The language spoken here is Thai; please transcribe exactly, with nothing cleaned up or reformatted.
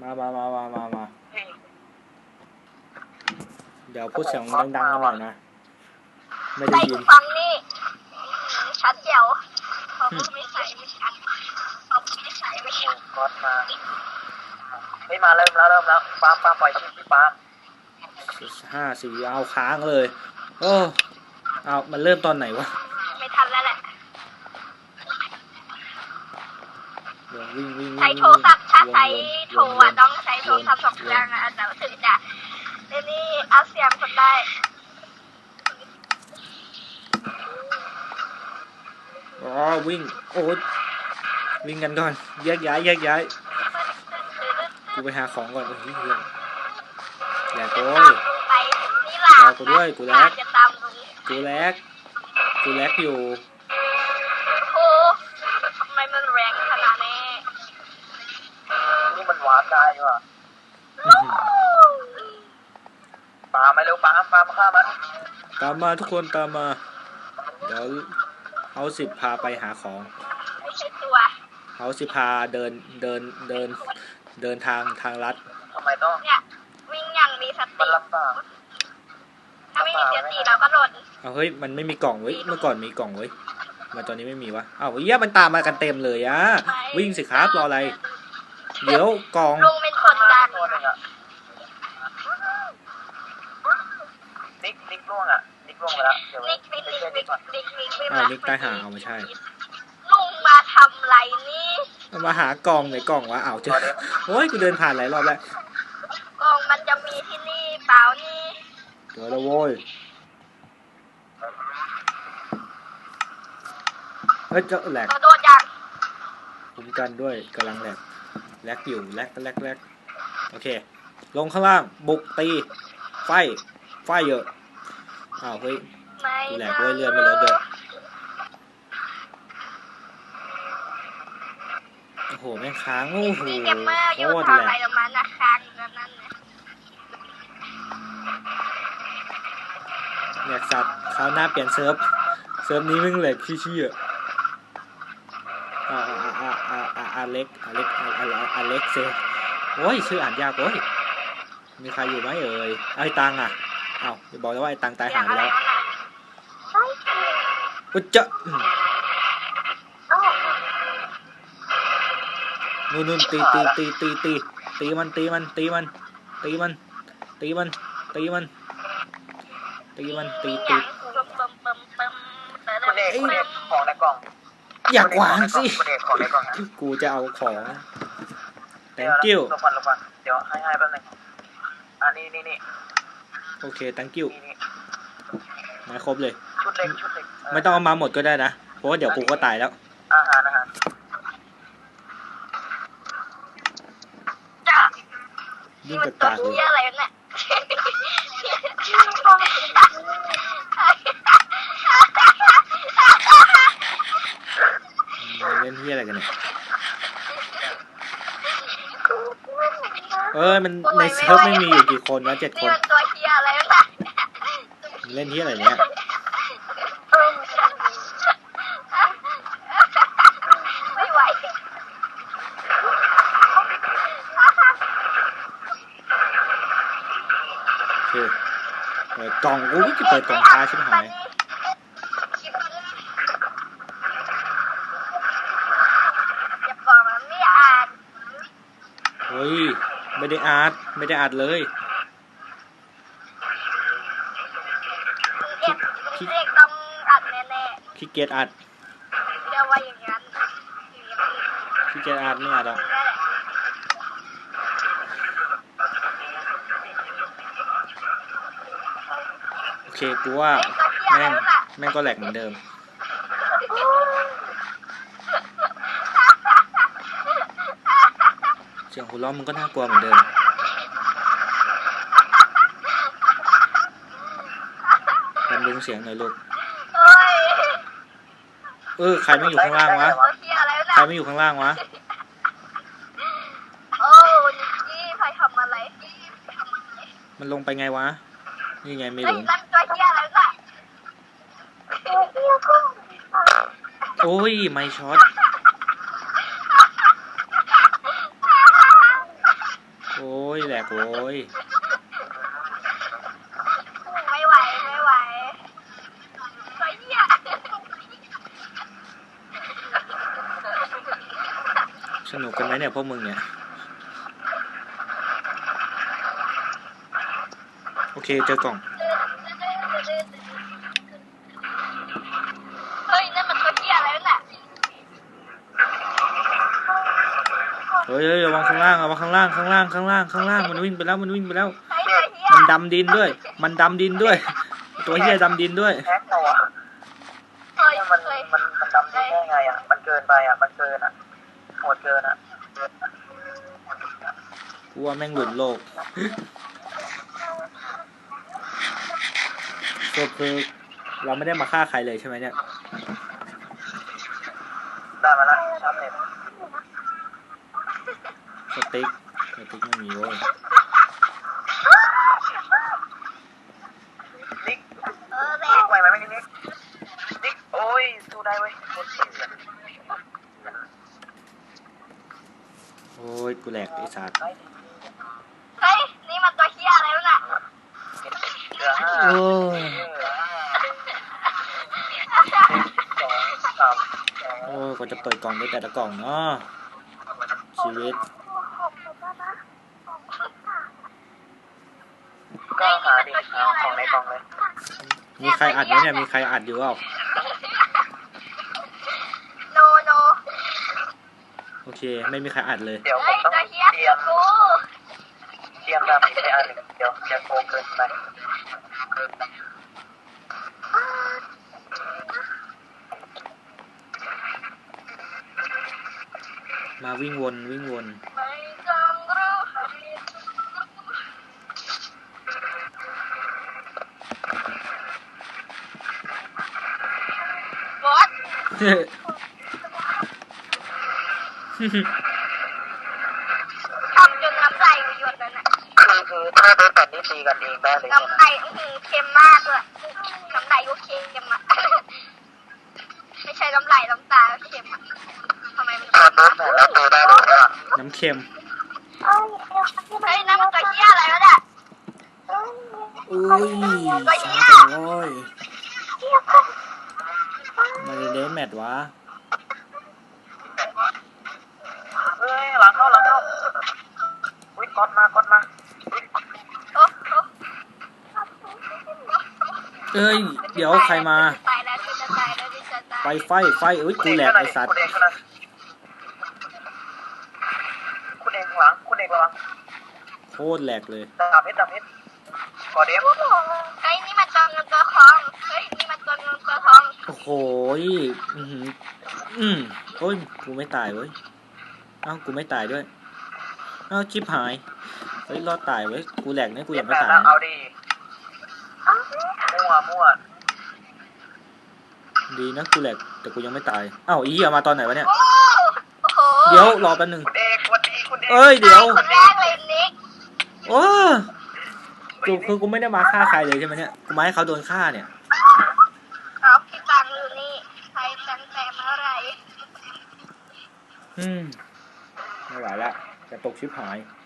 มามามามามามาเดี๋ยวพูดเสียงดังๆกันหน่อยนะไม่ได้ยินฟังนี่ชัดเจ๋วเขาไม่ใส่ไม่ชัดเขาไม่ใส่ไม่ชัดกดมาไม่มาเริ่มแล้วเริ่มแล้วปาล์มปาล์มปล่อยชิปพี่ปาล์มห้าสี่เอาค้างเลยโอ้เอามันเริ่มตอนไหนวะไม่ทันแล้วแหละวิ่งวิ่งใช้โทรศัพท์ถ้าใช้โทรอ่ะต้องใช้โทรศัพท์สองเครื่องอ่ะแต่ถึงจะนี่เอาเสียงคนได้อ๋อวิ่งโอ้วิ่งกันก่อนแยกย้ายแยกย้ายกูไปหาของก่อนโอ้ยเฮียแหลกโอ้ยรอกูด้วยกูแลกกูแลกกูแลกอยู่โอ้ทำไมมันแรงขนาดนี้นี่มันหวานได้ว่ะปาล์มมาเร็วปาล์มปาล์มฆ่ามันตามมาทุกคนตามมาเดี๋ยวเอาสิบพาไปหาของไม่ใช่ตัวเอาสิบพาเดินเดินเดินเดินทางทางลัดทำไมต้องเนี่ยวิ่งอย่างมีสติมันลำบากถ้าไม่มีสติเราก็โดนเอาเฮ้ยมันไม่มีกล่องเว้ยเมื่อก่อนมีกล่องเว้ยมาตอนนี้ไม่มีวะอ้าวเหี้ยมันตามมากันเต็มเลยอะวิ่งสิครับรออะไรเดี๋ยวกล่องลุงเป็นคนดังนิกนิกล่วงอ่ะนิกล่วงไปแล้วเดี๋ยวนิกนิกนิกนิกนิกนิกอ่านิกใต้หางเอาไม่ใช่ลุงมาทำไรนี่มาหากล่องไหนกล่องวะอ้าวเจอโอ้ยกูเดินผ่านหลายรอบแล้วกล่องมันจะมีที่นี่เปล่านี่เดี๋ยวละโว้ยเฮ้ยเจ้าแหลกโดนยังคุ้มกันด้วยกำลังแหลกแลกอยู่แลกแลกแลกโอเคลงข้างล่างบุกตีไฟไฟเยอะอ้าวเฮ้ยแหลกด้วยเลื่อนไปรถเยอะโอ้โหแม่งค้างโอ้โหโคตรแหลกแหลกสัตว์คราวหน้าเปลี่ยนเซิร์ฟเซิร์ฟนี้แม่งแหลกขี้ชี้อ่ะอ่าอ่าอ่าอ่าอ่าอเล็กอเล็กออเล็กเซโอ้ยชื่ออ่านยากโอ้ยมีใครอยู่ไหมเอ่ยไอ้ตังอ่ะอ้าวจะบอกแล้วว่าไอ้ตังตายหายไปแล้วอุ๊ยเจ้านู่นนู่นตีตีตีตีตีตีมันตีมันตีมันตีมันตีมันตีมันตีมันตีตีคุณเอกคุณเอกของในกล่องอยากวางสิกูจะเอาของ thank you ลงก่อนลงก่อนเดี๋ยวให้ให้แป๊บนึงอันนี้นี่นี่โอเค thank you มาครบเลยชุดเล็กชุดเล็กไม่ต้องเอามาหมดก็ได้นะเพราะว่าเดี๋ยวกูก็ตายแล้วอาหารอาหารยิ่งกระตากเลยอะไรเนี่ยเล่นที่อะไรกันเนี่ยเออมันในเซิร์ฟไม่มีอยู่กี่คนนะเจ็ดคนตัวเฮียอะไรนะเล่นที่อะไรเนี่ยไม่ไหวคือเปิดกล่องกูจะเปิดกล่องค้าใช่ไหมหายเฮ้ยไม่ได้อัดไม่ได้อัดเลยขี้เกียจต้องอัดแน่ๆขี้เกียจอัดเรียกว่าอย่างนั้นขี้เกียจอัดไม่อัดอ่ะโอเคกูว่าแม่งแม่งก็แหลกเหมือนเดิมเสียงหัวเราะมันก็น่ากลัวเหมือนเดิมบำรุงเสียงหน่อยลูกเออใครไม่อยู่ข้างล่างวะใครไม่อยู่ข้างล่างวะโอ้ยใครทำอะไรมันลงไปไงวะนี่ไงไม่รู้โอ้ยไม่ช็อตกโว้ยไม่ไหวไม่ไหวไอ้เหี้ยสนุกกันไหมเนี่ยพวกมึงเนี่ยโอเคเจอกล่องเฮ้ยนั่นมันตัวเหี้ยอะไรน่ะเฮ้ยเฮ้ยระวังข้างล่างระวังข้างล่างข้างล่างข้างล่างข้างล่างมันวิ่งไปแล้วมันวิ่งไปแล้วไอ้ตัวเหี้ยมันดำดินด้วย มันดำดินด้วย ตัวเฮียดำดินด้วยแฮกเหรอวะเฮ้ยมันเฮ้ยมันมันดำได้ไงอ่ะมันเกินไปอ่ะมันเกินอ่ะโหดเกินอ่ะกูว่าแม่งหลุดโลกสรุปคือเราไม่ได้มาฆ่าใครเลยใช่ไหมเนี่ยได้มาละชาร์ปเน็ตสติ๊กสติ๊กไม่มีโว้ยนิกเออแบนิบกไหวไหมไม่นิกนิกโอ้ยสู้ได้เว้ยโคตรเสียโอ้ยกูแหลกไอ้สัตว์เฮ้ยนี่มันตัวเหี้ยอะไรน่ะเหลือห้าโอ้ยสองสามโอ้ยกว่าจะเปิดกล่องได้แต่ละกล่องเนาะชีวิตก็หาดิเอาของในกล่องเลยมีใครอัดไหมเนี่ยมีใครอัดอยู่เปล่าโนโนโอเคไม่มีใครอัดเลยเดี๋ยวผเฮ้มยต้องตัวเหี้ยเตรียมกูเตรียมดาบอีกไปอันหนึ่งเดี๋ยวจะโกงเกินไปมาวิ่งวนวิ่งวนไม่ต้องรู้บอสทำจนน้ำไหลหยดเลยน่ะคือคือถ้าเป็นแบบนี้ตีกันเองได้เลยใช่น้ำไหมไหลอื้อหือเค็มมากเลยน้ำไหลก็เค็มอ่ะ ไม่ใช่น้ำไหลน้ำตาเค็มอ่ะทำไมมันถ้าเป็นแบบนี้ตีได้เลยใช่ไหมน้ำเค็มเฮ้ยนั่นมันตัวเหี้ยอะไรวะเนี่ยอุ้ยตัวช้าเหี้ยจังโว้ยมาเดนแมทวะเฮ้ยหลังเข้าหลังเข้าอุ้ยก๊อตมาก๊อตมาอุ๊ยโอ้โหเอ้ยเดี๋ยวใครมาตายแล้วจะตายแล้วจะตายไปไฟไฟเอ้ยกูแหลกไอ้สัตว์คุณเอกข้างหน้าคุณเอกข้างหลังคุณเอกระวังโคตรแหลกเลยดาบเพชรดาบเพชรกอเดฟเฮ้ยนี่มันตัวเงินตัวทองเฮ้ยนี่มันตัวเงินตัวทองโอ้โหอือหืออืมโอ้ยกูไม่ตายเว้ยเอ้ากูไม่ตายด้วยเอ้าชิบหายเฮ้ยรอดตายเว้ยกูแหลกเนี่ยกูยังไม่ตายแล้วเอาดีมั่วมั่วดีนะกูแหลกแต่กูยังไม่ตายเอ้าอีเหี้ยมาตอนไหนวะเนี่ยโอ้โหเดี๋ยวรอแป๊บนึงคุณเอกสวัสดีคุณเอกเอ้ยเดี๋ยวคนแรกเลยนิกโอ้กูคือกูไม่ได้มาฆ่าใครเลยใช่ไหมเนี่ยกูมาให้เขาโดนฆ่าเนี่ยเอาพี่ตังอยู่นี่ใครตั้งแต่เมื่อไหรอืมไม่ไหวละจะตกชิบหายเ